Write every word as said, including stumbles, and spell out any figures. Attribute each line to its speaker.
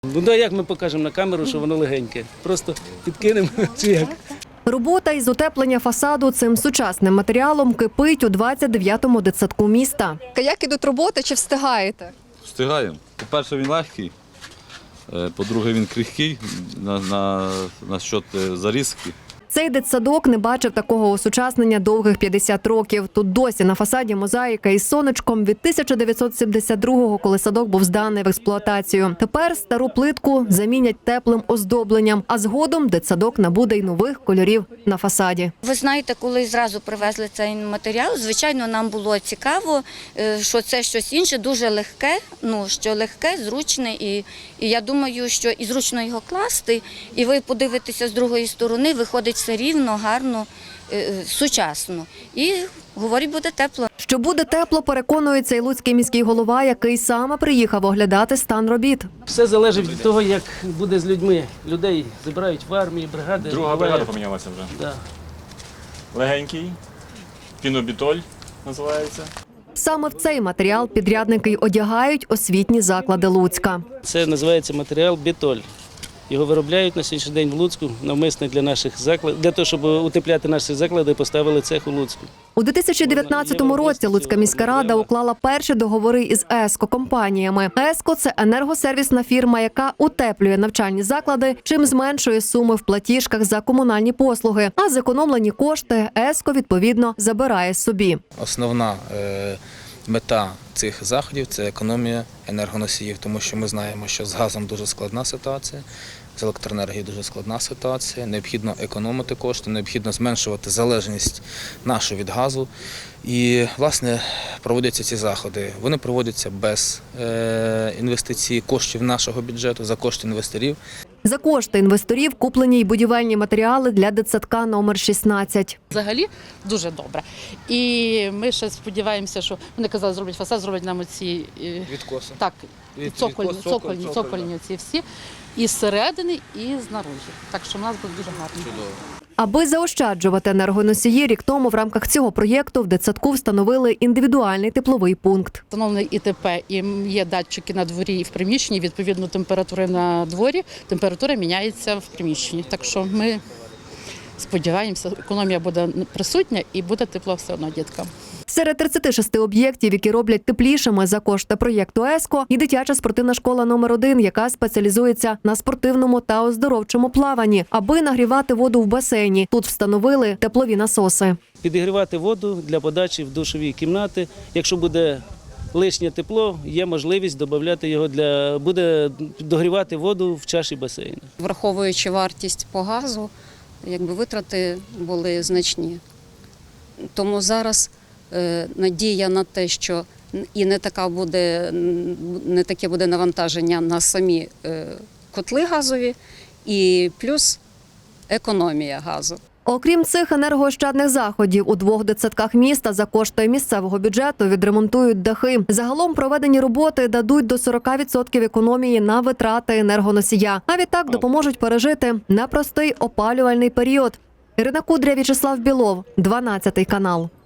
Speaker 1: Ну да, як ми покажемо на камеру, що воно легеньке? Просто підкинемо чи як?
Speaker 2: Робота із утеплення фасаду цим сучасним матеріалом кипить у двадцять дев'ятому дитсадку міста.
Speaker 3: Як ідуть роботи, чи встигаєте?
Speaker 4: Встигаємо. По-перше, він легкий, по-друге, він крихкий на, на, на счет зарізки.
Speaker 2: Цей дитсадок не бачив такого осучаснення довгих п'ятдесят років. Тут досі на фасаді мозаїка із сонечком від тисяча дев'ятсот сімдесят другого, коли садок був зданий в експлуатацію. Тепер стару плитку замінять теплим оздобленням, а згодом дитсадок набуде й нових кольорів на фасаді.
Speaker 5: Ви знаєте, коли зразу привезли цей матеріал, звичайно, нам було цікаво, що це щось інше, дуже легке, ну, що легке, зручне, і, і я думаю, що і зручно його класти, і ви подивитеся з другої сторони, виходить все рівно, гарно, сучасно. І, говорить, буде тепло.
Speaker 2: Що буде тепло, переконується і луцький міський голова, який саме приїхав оглядати стан робіт.
Speaker 1: Все залежить від того, як буде з людьми. Людей забирають в армії, бригади.
Speaker 6: Друга бригада помінялася вже.
Speaker 1: Да.
Speaker 6: Легенький, пінобітоль називається.
Speaker 2: Саме в цей матеріал підрядники й одягають освітні заклади Луцька.
Speaker 1: Це називається матеріал бітоль. Його виробляють на сьогоднішній день в Луцьку, навмисно для наших закладів, для того, щоб утепляти наші заклади, поставили цех у Луцьку.
Speaker 2: У дві тисячі дев'ятнадцятому році Луцька міська рада уклала перші договори із ЕСКО-компаніями. ЕСКО – це енергосервісна фірма, яка утеплює навчальні заклади, чим зменшує суми в платіжках за комунальні послуги. А зекономлені кошти ЕСКО, відповідно, забирає собі.
Speaker 7: Основна е, мета цих заходів – це економія енергоносіїв, тому що ми знаємо, що з газом дуже складна ситуація, з електроенергією дуже складна ситуація, необхідно економити кошти, необхідно зменшувати залежність нашу від газу. І, власне, проводяться ці заходи. Вони проводяться без е, інвестицій коштів нашого бюджету, за кошти інвесторів.
Speaker 2: За кошти інвесторів куплені й будівельні матеріали для дитсадка номер шістнадцять.
Speaker 8: Взагалі дуже добре. І ми ще сподіваємося, що вони казали, зроблять фасад, зроблять нам оці
Speaker 7: Відкоси.
Speaker 8: так,
Speaker 7: Від-
Speaker 8: цокольні,
Speaker 7: відкос, цоколь,
Speaker 8: цокольні,
Speaker 7: цоколь,
Speaker 8: цокольні ці всі. І зсередини, і знаружі. Так що в нас буде дуже гарно.
Speaker 7: Чудово.
Speaker 2: Аби заощаджувати енергоносії, рік тому в рамках цього проєкту в дитсадку встановили індивідуальний тепловий пункт.
Speaker 8: Встановлений ІТП, і є датчики на дворі і в приміщенні, відповідно температури на дворі, температура міняється в приміщенні. Так що ми сподіваємося, економія буде присутня і буде тепло все одно діткам.
Speaker 2: Серед тридцяти шести об'єктів, які роблять теплішими за кошти проєкту ЕСКО, і дитяча спортивна школа номер один, яка спеціалізується на спортивному та оздоровчому плаванні. Аби нагрівати воду в басейні, тут встановили теплові насоси.
Speaker 1: Підігрівати воду для подачі в душові кімнати. Якщо буде лишнє тепло, є можливість додати його для буде догрівати воду в чаші басейну.
Speaker 9: Враховуючи вартість по газу, якби витрати були значні. Тому зараз е, надія на те, що і не така буде, не таке буде навантаження на самі е, котли газові, і плюс економія газу.
Speaker 2: Окрім цих енергоощадних заходів, у двох дитсадках міста за кошти місцевого бюджету відремонтують дахи. Загалом проведені роботи дадуть до сорока відсотків економії на витрати енергоносія. А відтак допоможуть пережити непростий опалювальний період. Ірина Кудря, В'ячеслав Білов, дванадцятий канал.